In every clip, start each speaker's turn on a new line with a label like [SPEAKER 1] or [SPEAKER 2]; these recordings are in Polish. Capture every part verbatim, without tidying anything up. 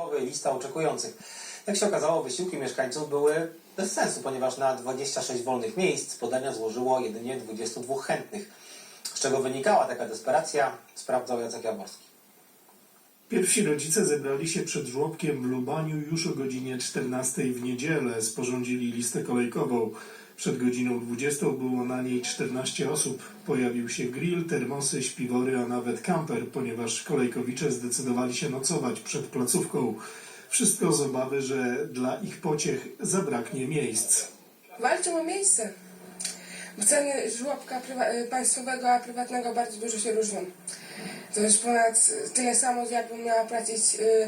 [SPEAKER 1] Lista oczekujących. Jak się okazało, wysiłki mieszkańców były bez sensu, ponieważ na dwadzieścia sześć wolnych miejsc podania złożyło jedynie dwudziestu dwóch chętnych. Z czego wynikała taka desperacja, sprawdzał Jacek Jaworski.
[SPEAKER 2] Pierwsi rodzice zebrali się przed żłobkiem w Lubaniu już o godzinie czternastej w niedzielę. Sporządzili listę kolejkową. Przed godziną dwudziestą było na niej czternaście osób. Pojawił się grill, termosy, śpiwory, a nawet kamper, ponieważ kolejkowicze zdecydowali się nocować przed placówką. Wszystko z obawy, że dla ich pociech zabraknie miejsc.
[SPEAKER 3] Walczą o miejsce. Bo ceny żłobka prywa- państwowego, a prywatnego bardzo dużo się różnią. To jest ponad tyle samo, jakbym miała płacić y,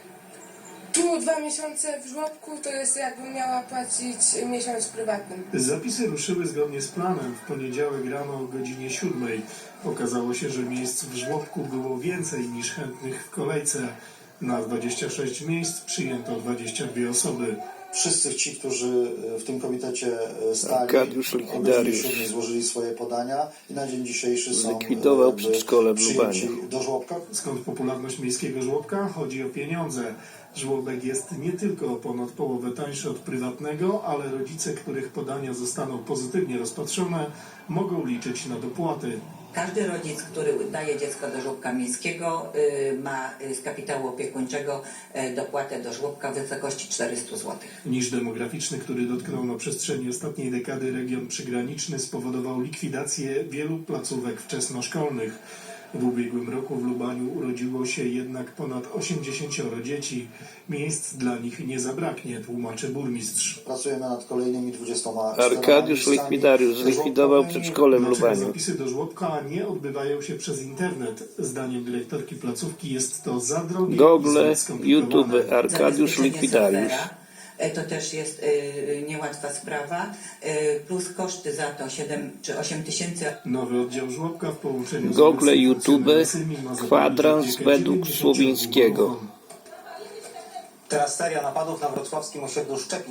[SPEAKER 3] tu dwa miesiące w żłobku, to jest jakbym miała płacić miesiąc w prywatnym.
[SPEAKER 2] Zapisy ruszyły zgodnie z planem. W poniedziałek rano o godzinie siódmej. Okazało się, że miejsc w żłobku było więcej niż chętnych w kolejce. Na dwadzieścia sześć miejsc przyjęto dwadzieścia dwie osoby.
[SPEAKER 4] Wszyscy ci, którzy w tym komitecie stali,
[SPEAKER 5] Arkadiusz Likwidariusz
[SPEAKER 4] złożyli swoje podania i na dzień dzisiejszy są
[SPEAKER 5] zlikwidował przedszkole w
[SPEAKER 4] przyjęci
[SPEAKER 5] Lubaniu.
[SPEAKER 4] do żłobka.
[SPEAKER 2] Skąd popularność miejskiego żłobka? Chodzi o pieniądze. Żłobek jest nie tylko o ponad połowę tańszy od prywatnego, ale rodzice, których podania zostaną pozytywnie rozpatrzone, mogą liczyć na dopłaty.
[SPEAKER 6] Każdy rodzic, który daje dziecko do żłobka miejskiego, ma z kapitału opiekuńczego dopłatę do żłobka w wysokości czterysta złotych.
[SPEAKER 2] Niż demograficzny, który dotknął na przestrzeni ostatniej dekady region przygraniczny, spowodował likwidację wielu placówek wczesnoszkolnych. W ubiegłym roku w Lubaniu urodziło się jednak ponad osiemdziesięcioro dzieci. Miejsc dla nich nie zabraknie, tłumaczy burmistrz.
[SPEAKER 4] Pracujemy nad kolejnymi dwudziestoma
[SPEAKER 5] Arkadiusz Likwidariusz zlikwidował przedszkole w
[SPEAKER 2] Dlaczego
[SPEAKER 5] Lubaniu.
[SPEAKER 2] zapisy do żłobka nie odbywają się przez internet? Zdaniem dyrektorki placówki jest to za drogie i
[SPEAKER 5] Google,
[SPEAKER 2] zbyt skomplikowane.
[SPEAKER 5] YouTube, Arkadiusz
[SPEAKER 6] Zabezpieczenie
[SPEAKER 5] Likwidariusz.
[SPEAKER 6] serwera, to też jest y, niełatwa sprawa, y, plus koszty za to siedem czy osiem tysięcy.
[SPEAKER 2] Nowy oddział żłobka w połączeniu z
[SPEAKER 5] Google,
[SPEAKER 2] obecnymi
[SPEAKER 5] YouTube,
[SPEAKER 2] funkcjonariuszami ma zapewnić
[SPEAKER 5] kwadrans
[SPEAKER 2] opiekę
[SPEAKER 5] według
[SPEAKER 2] dziewięćdziesięciu
[SPEAKER 5] Słowińskiego.
[SPEAKER 2] domovom.
[SPEAKER 1] Teraz seria napadów na wrocławskim osiedlu Szczepin.